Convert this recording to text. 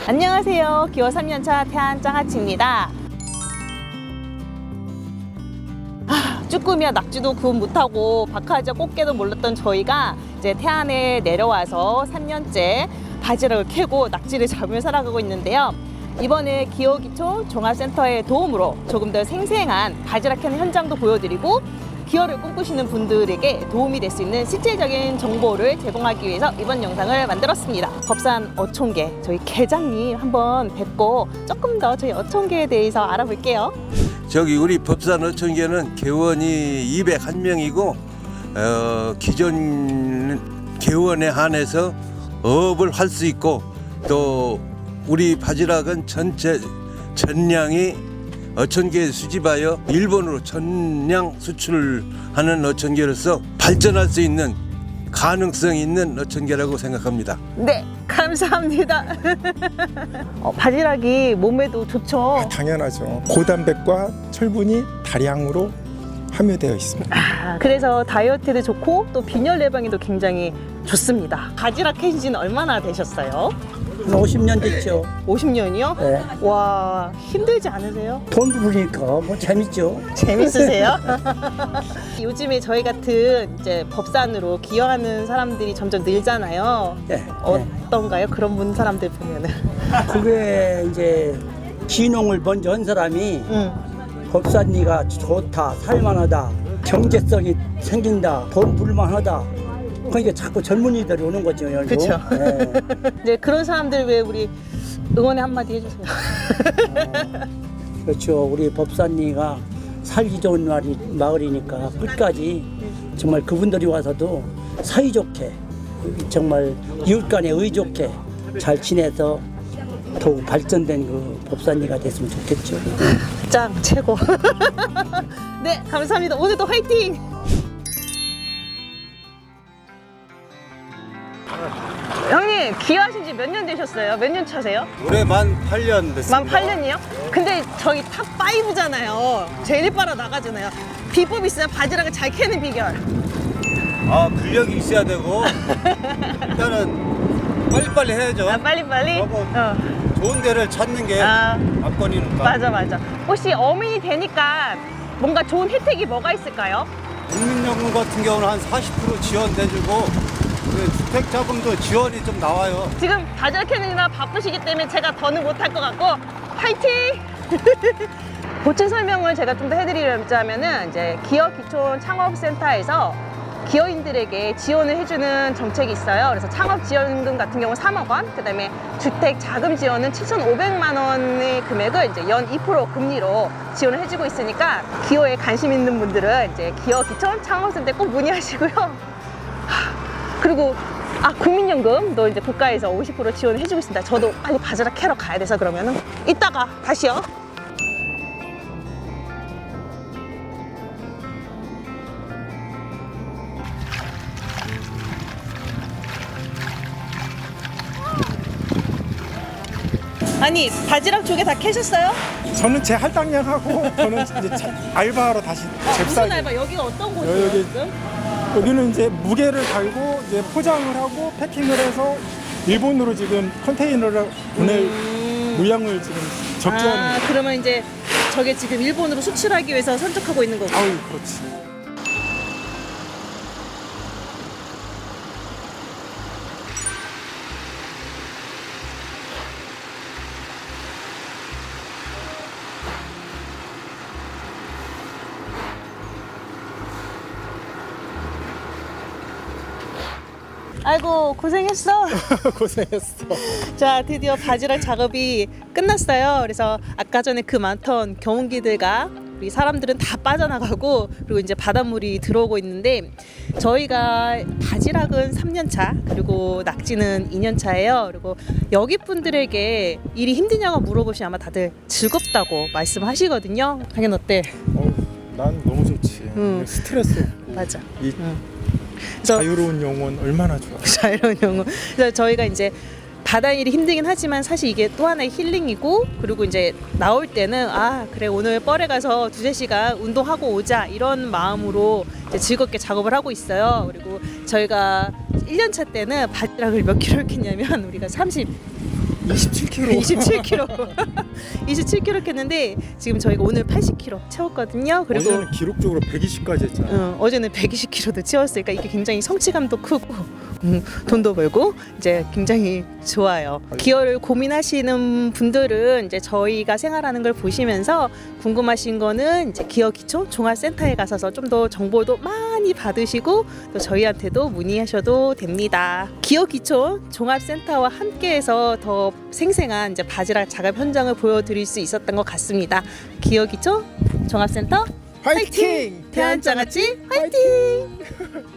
안녕하세요. 기호 3년차 태안장아찌입니다. 쭈꾸미와 낙지도 구분 못하고 박하지와 꽃게도 몰랐던 저희가 이제 태안에 내려와서 3년째 바지락을 캐고 낙지를 잡으며 살아가고 있는데요. 이번에 기호기촌 종합센터의 도움으로 조금 더 생생한 바지락 캐는 현장도 보여드리고 기호를 꿈꾸시는 분들에게 도움이 될 수 있는 실질적인 정보를 제공하기 위해서 이번 영상을 만들었습니다. 법산 어촌계 저희 계장님 한번 뵙고 조금 더 저희 어촌계에 대해서 알아볼게요. 저기 우리 법산 어촌계는 개원이 201명이고 기존 개원에 한해서 어업을 할 수 있고 또 우리 바지락은 전체 전량이 어촌계에 수집하여 일본으로 전량 수출하는 어촌계로서 발전할 수 있는 가능성 있는 어촌계라고 생각합니다. 네, 감사합니다. 바지락이 몸에도 좋죠? 당연하죠. 고단백과 철분이 다량으로 함유되어 있습니다. 그래서 다이어트에도 좋고 또 빈혈 예방에도 굉장히 좋습니다. 바지락 캐신 지는 얼마나 되셨어요? 50년 됐죠. 50년이요? 네. 와, 힘들지 않으세요? 돈 부르니까 뭐 재밌죠. 재밌으세요? 요즘에 저희 같은 이제 법산으로 기여하는 사람들이 점점 늘잖아요. 네. 어떤가요? 그런 분 사람들 보면은. 그게 이제 기농을 먼저 한 사람이 법산리가 좋다, 살만하다, 경제성이 생긴다, 돈 불만하다. 그러니까 자꾸 젊은이들이 오는 거죠. 그렇죠. 네. 네, 그런 사람들 왜 우리 응원의 한마디 해주세요. 그렇죠. 우리 법산리가 살기 좋은 마을이니까 끝까지 정말 그분들이 와서도 사이좋게 정말 이웃 간에 의좋게 잘 지내서 더욱 발전된 그 법산리가 됐으면 좋겠죠. 짱 최고. 네, 감사합니다. 오늘도 화이팅. 형님 기여하신 지 몇 년 되셨어요? 몇 년 차세요? 올해 만 8년 됐습니다. 만 8년이요? 근데 저희 탑 5잖아요. 제일 빨아 나가잖아요. 비법 있어요? 바지락을 잘 캐는 비결. 근력이 있어야 되고 일단은 빨리빨리 해야죠. 빨리빨리? 좋은 데를 찾는 게 아. 압권이니까. 맞아. 혹시 어민이 되니까 뭔가 좋은 혜택이 뭐가 있을까요? 국민연금 같은 경우는 한 40% 지원돼주고 주택자금도 지원이 좀 나와요. 지금 바지락 캐느라 바쁘시기 때문에 제가 더는 못할 것 같고 파이팅! 보충 설명을 제가 좀 더 해드리자면은 이제 기업기촌 창업센터에서 기업인들에게 지원을 해주는 정책이 있어요. 그래서 창업지원금 같은 경우 3억 원, 그 다음에 주택자금 지원은 7,500만 원의 금액을 이제 연 2% 금리로 지원을 해주고 있으니까 기호에 관심 있는 분들은 이제 기업기촌 창업센터에 꼭 문의하시고요. 그리고 국민연금도 이제 국가에서 50% 지원을 해주고 있습니다. 저도 빨리 바지락 캐러 가야 돼서 그러면은 이따가 다시요. 아니 바지락 조개 다 캐셨어요? 저는 제 할당량하고 저는 이제 알바하러 다시 무슨 잽싸게. 알바? 여기가 어떤 곳이에요 여기- 지금? 여기는 이제 무게를 달고 이제 포장을 하고 패킹을 해서 일본으로 지금 컨테이너를 보낼 물량을 지금 적재하는. 그러면 이제 저게 지금 일본으로 수출하기 위해서 선적하고 있는 거고. 아유, 그렇지. 아이고 고생했어. 고생했어. 자, 드디어 바지락 작업이 끝났어요. 그래서 아까 전에 그 많던 경운기들과 우리 사람들은 다 빠져나가고 그리고 이제 바닷물이 들어오고 있는데 저희가 바지락은 3년 차 그리고 낙지는 2년 차예요. 그리고 여기 분들에게 일이 힘드냐고 물어보시면 아마 다들 즐겁다고 말씀하시거든요. 당연 어때? 난 너무 좋지. 스트레스 없고. 맞아. 이 그래서 자유로운 영혼 얼마나 좋아. 자유로운 영혼. 그래서 저희가 이제 바다일이 힘들긴 하지만 사실 이게 또 하나의 힐링이고, 그리고 이제 나올 때는 아 그래 오늘 뻘에 가서 2-3시간 운동하고 오자 이런 마음으로 이제 즐겁게 작업을 하고 있어요. 그리고 저희가 1년차 때는 바지락을 몇 킬로 했냐면 우리가 27kg. 27kg. 27kg 했는데 지금 저희가 오늘 80kg 채웠거든요. 그리고 어제는 기록적으로 120까지 했잖아요. 어제는 120kg도 채웠으니까 이게 굉장히 성취감도 크고 돈도 벌고 이제 굉장히 좋아요. 기어를 고민하시는 분들은 이제 저희가 생활하는 걸 보시면서 궁금하신 거는 이제 기어 기초 종합센터에 가셔서 좀 더 정보도 많이 받으시고 또 저희한테도 문의하셔도 됩니다. 기어 기초 종합센터와 함께해서 더 생생한 이제 바지락 작업 현장을 보여드릴 수 있었던 것 같습니다. 기어 기초 종합센터 화이팅! 대한장아찌 화이팅!